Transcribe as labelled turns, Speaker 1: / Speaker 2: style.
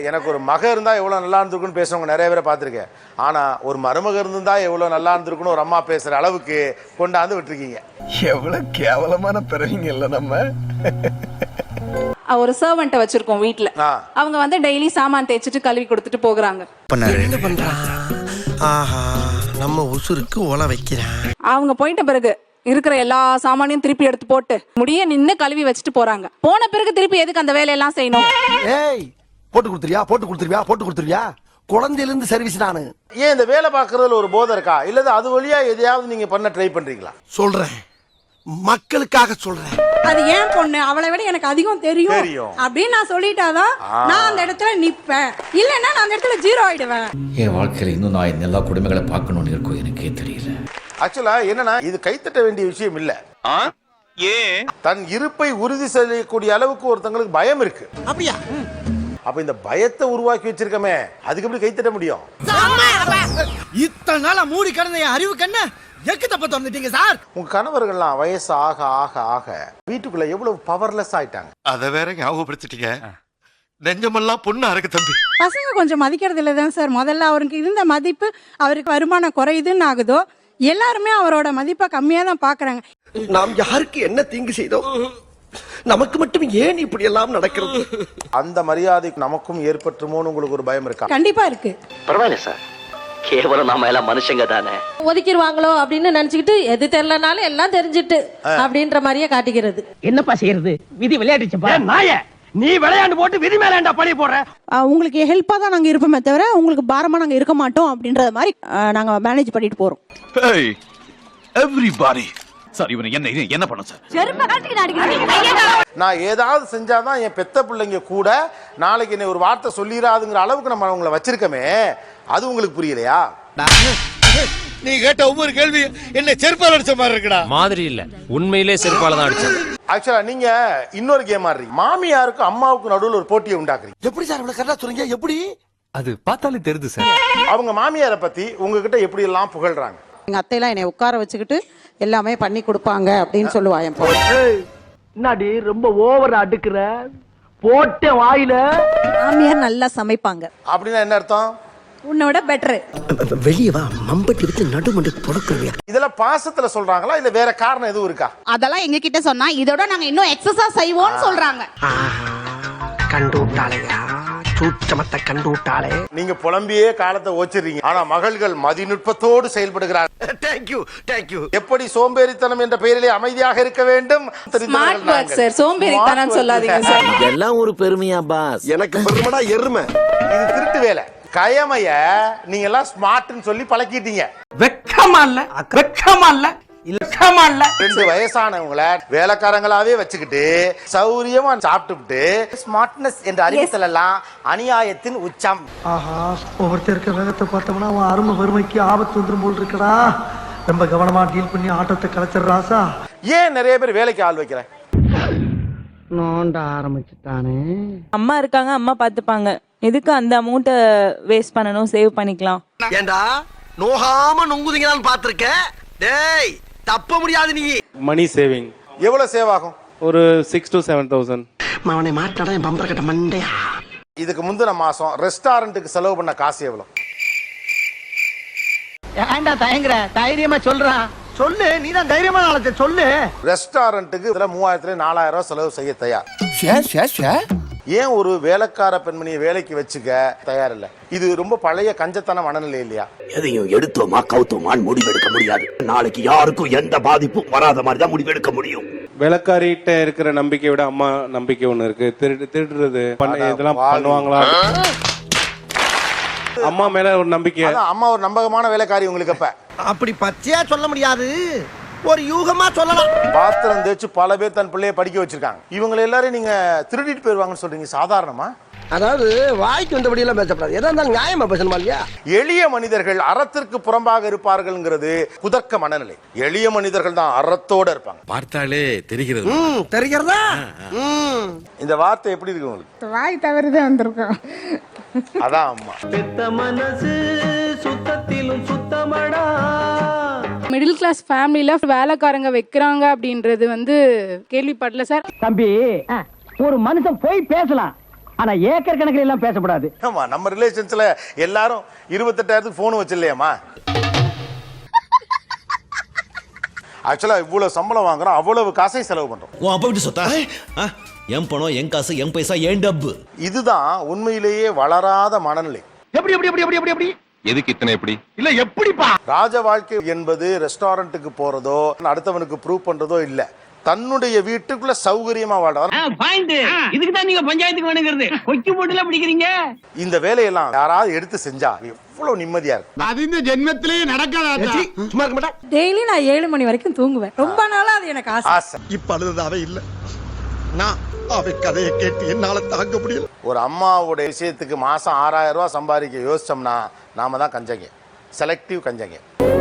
Speaker 1: எனக்கு ஒரு மக இருந்தா எவ்வளவு நல்லா இருந்திருக்குன்னு பேசுறவங்க நிறைய பேரை பார்த்திருக்கேன். ஆனா ஒரு மருமக இருந்தா எவ்வளவு நல்லா இருந்திருக்குன்னு ஒரு அம்மா பேசுற அளவுக்கு கொண்டாந்து விட்டுருக்கீங்க.
Speaker 2: எவ்வளவு கேவலமான பிறவிங்க இல்ல நம்ம.
Speaker 3: ஒரு சர்வெண்ட்டை வச்சிருக்கோம் வீட்ல. அவங்க வந்து டெய்லி சாமான் தேய்ச்சிட்டு கழுவி கொடுத்துட்டு போகிறாங்க.
Speaker 2: என்ன பண்றான்? ஆஹா, நம்ம உசுருக்கு ஓலை வைக்கிறான்.
Speaker 3: அவங்க போயிட்ட பிறகு இருக்கிற எல்லா சாமானையும் திருப்பி எடுத்து போட்டு முடிய நின்னு கழுவி வச்சுட்டு போறாங்க. போன பிறகு திருப்பி எதுக்கு அந்த வேலையெல்லாம் செய்யணும்?
Speaker 2: ஏய், போட்டு கொடுத்துருவியா? குழந்தையில இருந்து சர்வீஸ் நானு.
Speaker 1: ஏன் இந்த வேலை பார்க்கறதுல ஒரு போதை இருக்கா? இல்ல அது வழியா எதையாவது நீங்க பண்ண ட்ரை பண்றீங்களா?
Speaker 2: சொல்றேன், மக்களுக்காக சொல்றேன்.
Speaker 4: அது ஏன் பொண்ணு, அவளை விட எனக்கு அதிகம் தெரியும் அப்படின்னு நான் சொல்லிட்டாதான் நான் அந்த இடத்துல நிப்பேன். இல்லன்னா நான் அந்த இடத்துல ஜீரோ ஆயிடுவேன்.
Speaker 5: என் வாழ்க்கையில இன்னும் நான் எல்லா குடும்பங்களை பார்க்கணும்னு இருக்கும், எனக்கே தெரியல.
Speaker 1: ஆக்சுவலா என்னன்னா, இது கைத்தட்ட வேண்டிய விஷயம் இல்ல. ஏன் தன் இருப்பை உறுதி செய்யக்கூடிய அளவுக்கு ஒருத்தங்களுக்கு பயம் இருக்கு. அப்படியா? அப்ப இந்த பயத்தை உருவாக்கி வச்சிருக்கமே, அதுக்கு எப்படி கைத்தட்ட முடியும்?
Speaker 2: இத்தனை நாளா மூடி கிடந்த என் அறிவு கண்ண எக்கு தப்ப திறந்துட்டீங்க சார்.
Speaker 1: உங்க கணவர்கள்லாம் வயசு ஆக ஆக ஆக வீட்டுக்குள்ள எவ்வளவு பவர்லெஸ் ஆயிட்டாங்க.
Speaker 6: அத வேற ஞாபகப்படுத்திட்டீங்க. நெஞ்சமெல்லாம் பொண்ணா இருக்கு தம்பி.
Speaker 4: பசங்க கொஞ்சம் மதிக்கிறது இல்லதான் சார். முதல்ல அவருக்கு இருந்த மதிப்பு அவருக்கு வருமானம் குறையுதுன்னு ஆகுதோ, எல்லாருமே அவரோட மதிப்பை கம்மியா தான் பாக்குறாங்க.
Speaker 2: நாம் யாருக்கு என்ன தீங்கு செய்தோம்? நமக்கு மட்டும் ஏன் இப்படி எல்லாம் நடக்கிறது?
Speaker 1: அந்த மரியாதை நமக்கும் ஏற்பட்டுமோன்னு உங்களுக்கு ஒரு பயம் இருக்கா?
Speaker 4: கண்டிப்பா இருக்கு.
Speaker 7: பரவாயில்ல சார், கேவலம் நாம எல்லாம் மனுஷங்க தானே.
Speaker 8: ஒதுக்கிடுவாங்களோ அப்படின்னு நினைச்சுக்கிட்டு எது தெரியலனாலும் எல்லாம் தெரிஞ்சிட்டு அப்படின்ற மாதிரியே காட்டிக்கிறது.
Speaker 9: என்னப்பா செய்யறது? விதி விளையாடுச்சுப்பா. நாய நீ விளையாண்டு போட்டு விதி மேலேண்டா பழி போடுற.
Speaker 4: உங்களுக்கு ஹெல்ப்பா தான் நாங்க இருப்போமே தவிர உங்களுக்கு பாரமா நாங்க இருக்க மாட்டோம் அப்படின்றத மாதிரி நாங்க மேனேஜ் பண்ணிட்டு போறோம்.
Speaker 6: எவ்ரிபாடி சார், இவனை என்ன பண்ண சார்?
Speaker 1: நான் ஏதாவது செஞ்சாதான் என் பெத்த பிள்ளைங்க கூட நாளைக்கு என்ன ஒரு வார்த்தை சொல்லிடாதுங்கிற அளவுக்கு நம்ம அவங்கள வச்சிருக்கமே, அது உங்களுக்கு புரியலையா?
Speaker 6: நீ கேட்ட ஒவ்வொரு கேள்வி என்ன செருப்பால அடிச்ச மாதிரி இருக்குடா.
Speaker 10: மாதிரி இல்ல, உண்மையிலே செருப்பால தான் அடிச்சது.
Speaker 1: ஆக்சுவலா நீங்க இன்னொரு கேம் ஆடுறீங்க. மாமியாருக்கும் அம்மாவுக்கும் நடுவில் ஒரு போட்டியை உண்டாக்குறீங்க.
Speaker 2: எப்படி சார் இவ்வளவு கரெக்டா சொல்றீங்க? எப்படி?
Speaker 10: அது பார்த்தாலே தெரியுது சார்.
Speaker 1: அவங்க மாமியாரை பத்தி உங்ககிட்ட எப்படி எல்லாம் புகழ்றாங்க.
Speaker 4: எங்க அத்தையெல்லாம் என்னை உட்கார வச்சுக்கிட்டு எல்லாமே பண்ணி கொடுப்பாங்க அப்படின்னு சொல்லுவாங்க.
Speaker 9: என்னடி ரொம்ப ஓவர் அடுக்குற போட்ட வாயில.
Speaker 4: மாமியார் நல்லா சமைப்பாங்க
Speaker 1: அப்படின்னா என்ன அர்த்தம்?
Speaker 4: உன்னோட பெட்டர்.
Speaker 2: வெளியே வா, மம்பட்டி எடுத்து நடுமண்டு பொறுக்கலையா?
Speaker 1: இதெல்லாம் பாசத்துல சொல்றாங்களா இல்ல வேற காரணம் எதுவும் இருக்கா?
Speaker 4: அதெல்லாம் எங்க கிட்ட சொன்னா இதோட நாங்க இன்னும் எக்ஸசா செய்வோம்னு சொல்றாங்க.
Speaker 2: கண்டு விட்டாளையா, சூச்சமத்தை கண்டு விட்டாளே.
Speaker 1: நீங்க புலம்பியே காலத்தை ஓச்சிடுறீங்க. ஆனா மகள்கள் மதிநுட்பத்தோடு செயல்படுகிறார்கள்.
Speaker 2: தேங்க்யூ.
Speaker 1: எப்படி சோம்பேறித்தனம் என்ற பெயரிலே அமைதியாக இருக்க வேண்டும்.
Speaker 3: ஸ்மார்ட் வர்க் சார், சோம்பேறித்தனம் சொல்லாதீங்க சார்.
Speaker 7: இதெல்லாம் ஒரு பெருமையா பாஸ்?
Speaker 2: எனக்கு பெருமைடா எருமை.
Speaker 1: இது திருட்டு வேலை. கயமைய நீங்க எல்லாம் ஸ்மார்ட்னு சொல்லி பழக்கிட்டீங்க.
Speaker 9: வெக்கமா இல்ல? வெக்கமா இல்ல? இல்லக்கமா இல்ல?
Speaker 1: 2 வயசானவங்கள வேலைக்காரங்களாவே வச்சுக்கிட்டு சௌரியமா சாப்பிட்டுட்டு ஸ்மார்ட்னஸ் என்ற அறிவித்தல் எல்லாம் அநியாயத்தின் உச்சம்.
Speaker 9: ஆஹா, ஒவ்வொருத்தருக்கு வேகத்தை பார்த்தோம்னா அவன் அருமை வறுமைக்கு ஆபத்து வந்துரும் போல் இருக்கடா. ரொம்ப கவனமா டீல் பண்ணி ஆட்டத்தை கலைச்சிடுறாசா.
Speaker 1: ஏன் நிறைய பேர் வேலைக்கு ஆள் வைக்கிறேன்?
Speaker 9: நோண்ட ஆரம்பிச்சுட்டானே.
Speaker 8: அம்மா இருக்காங்க, அம்மா பாத்துப்பாங்க. எதுக்கு அந்த அமௌண்ட்டை வேஸ்ட் பண்ணணும்? சேவ் பண்ணிக்கலாம்.
Speaker 2: ஏண்டா நோகாம நொங்குதீங்களான்னு பாத்துருக்க. டேய் தப்ப முடியாது நீ.
Speaker 10: மணி சேவிங்
Speaker 1: எவ்வளவு சேவ் ஆகும்?
Speaker 10: ஒரு 6 to 7,000.
Speaker 2: அவனை மாட்டாடா என் பம்பர கட்ட மண்டையா.
Speaker 1: இதுக்கு முந்தின மாசம் ரெஸ்டாரண்ட்டுக்கு செலவு பண்ண காசு எவ்வளவு?
Speaker 9: ஏன்டா தயங்குற? தைரியமா சொல்றான். சொல்லு, நீதான் தைரியமான ஆளத்தை சொல்லு.
Speaker 1: ரெஸ்டாரண்ட்டுக்கு இதுல 3000 4000 ரூபாய் செலவு செய்ய தயார். ஏன் ஒரு வேலைக்கார பெண்மணியை வேலைக்கு வச்சுக்க தயார் இல்ல? இது ரொம்ப பழைய கஞ்சத்தன மனநிலை இல்லையா?
Speaker 7: எதையும் எடுத்தோமா கவுத்தோமான்னு முடிவெடுக்க முடியாது. நாளைக்கு யாருக்கும் எந்த பாதிப்பும் வராத மாதிரி தான் முடிவெடுக்க முடியும்.
Speaker 10: வேலைக்காரிட்ட இருக்கிற நம்பிக்கையை விட அம்மா நம்பிக்கை ஒண்ணு இருக்கு. திருடுறது இதெல்லாம் பண்ணுவாங்களா? அம்மா மேல ஒரு நம்பிக்கை.
Speaker 1: அம்மா ஒரு நம்பகமான வேலைக்காரி உங்களுக்கு. அப்ப
Speaker 2: அப்படி பச்சையா சொல்ல முடியாது, ஒரு யூகமா சொல்லலாம்.
Speaker 1: பாத்திரம் தேய்ச்சு பல பேர் தன் பிள்ளைய படிக்க வச்சிருக்காங்க. இவங்க எல்லாரும் நீங்க திருடிட்டு போயிருவாங்கன்னு சொல்றீங்க. சாதாரணமா?
Speaker 2: அதாவது வாய்க்கு வந்தபடி எல்லாம் பேசப்படாது. எதா இருந்தாலும் நியாயமா பேசணுமா இல்லையா?
Speaker 1: எளிய மனிதர்கள் அறத்திற்கு புறம்பாக இருப்பார்கள்ங்கிறது குதர்க்க மனநிலை. எளிய மனிதர்கள் தான் அறத்தோட இருப்பாங்க.
Speaker 6: பார்த்தாலே தெரிகிறது.
Speaker 2: தெரிகிறதா?
Speaker 1: இந்த வார்த்தை எப்படி இருக்கு உங்களுக்கு?
Speaker 4: வாய் தவறுதான் வந்திருக்கோம்.
Speaker 1: அதான் அம்மா.
Speaker 9: பெத்த மனசு சுத்தத்திலும் சுத்தமடா.
Speaker 3: மிடில் கிளாஸ் ஃபேமிலியில வேலைக்காரங்க வைக்கிறாங்க அப்படின்றது வந்து கேள்விப்படல சார்.
Speaker 9: தம்பி, ஒரு மனுஷன் போய் பேசலாம், ஆனா ஏக்கர் கணக்கில் எல்லாம் பேசப்படாது.
Speaker 1: ஆமா, நம்ம ரிலேஷன்ஸ்ல எல்லாரும் 28,000 போன் வச்சில்லையாமா. ஆக்சுவலா இவ்வளவு சம்பளம் வாங்குறோம், அவ்வளவு காசை செலவு பண்றோம்.
Speaker 6: உன் அப்பா விட்டு சொத்தா என் பணம் என் காசு என் பைசா என் டப்பு.
Speaker 1: இதுதான் உண்மையிலேயே வளராத மனநிலை.
Speaker 9: எப்படி எப்படி எப்படி எப்படி எப்படி
Speaker 6: எதுக்கு இத்தனை எப்படி
Speaker 9: இல்ல எப்படிப்பா?
Speaker 1: ராஜ வாழ்க்கை என்பது ரெஸ்டாரண்ட்டுக்கு போறதோ அடுத்தவனுக்கு ப்ரூவ் பண்றதோ இல்ல, தன்னுடைய வீட்டுக்குள்ள சௌகரியமா வாழ்றார்.
Speaker 9: இதுக்கு தான் நீங்க பஞ்சாயத்துக்கு வேணுங்கிறது. கொக்கி போட்டுல பிடிக்கிறீங்க.
Speaker 1: இந்த வேலையெல்லாம் யாராவது எடுத்து செஞ்சா எவ்வளவு நிம்மதியா இருக்கு.
Speaker 6: அது இந்த ஜென்மத்திலேயே நடக்காத.
Speaker 2: சும்மா இருக்க மாட்டா.
Speaker 4: டெய்லி நான் 7 மணி வரைக்கும் தூங்குவேன். ரொம்ப நாளா அது எனக்கு ஆசை.
Speaker 6: இப்ப அழுதாவே இல்ல. நான் அவை கதையை கேட்டு என்னால தாங்க முடியல.
Speaker 1: ஒரு அம்மாவோட விஷயத்துக்கு மாசம் 6,000 ரூபாய் சம்பாதிக்க யோசிச்சோம்னா நாம தான் கஞ்சங்க, செலக்டிவ் கஞ்சங்க.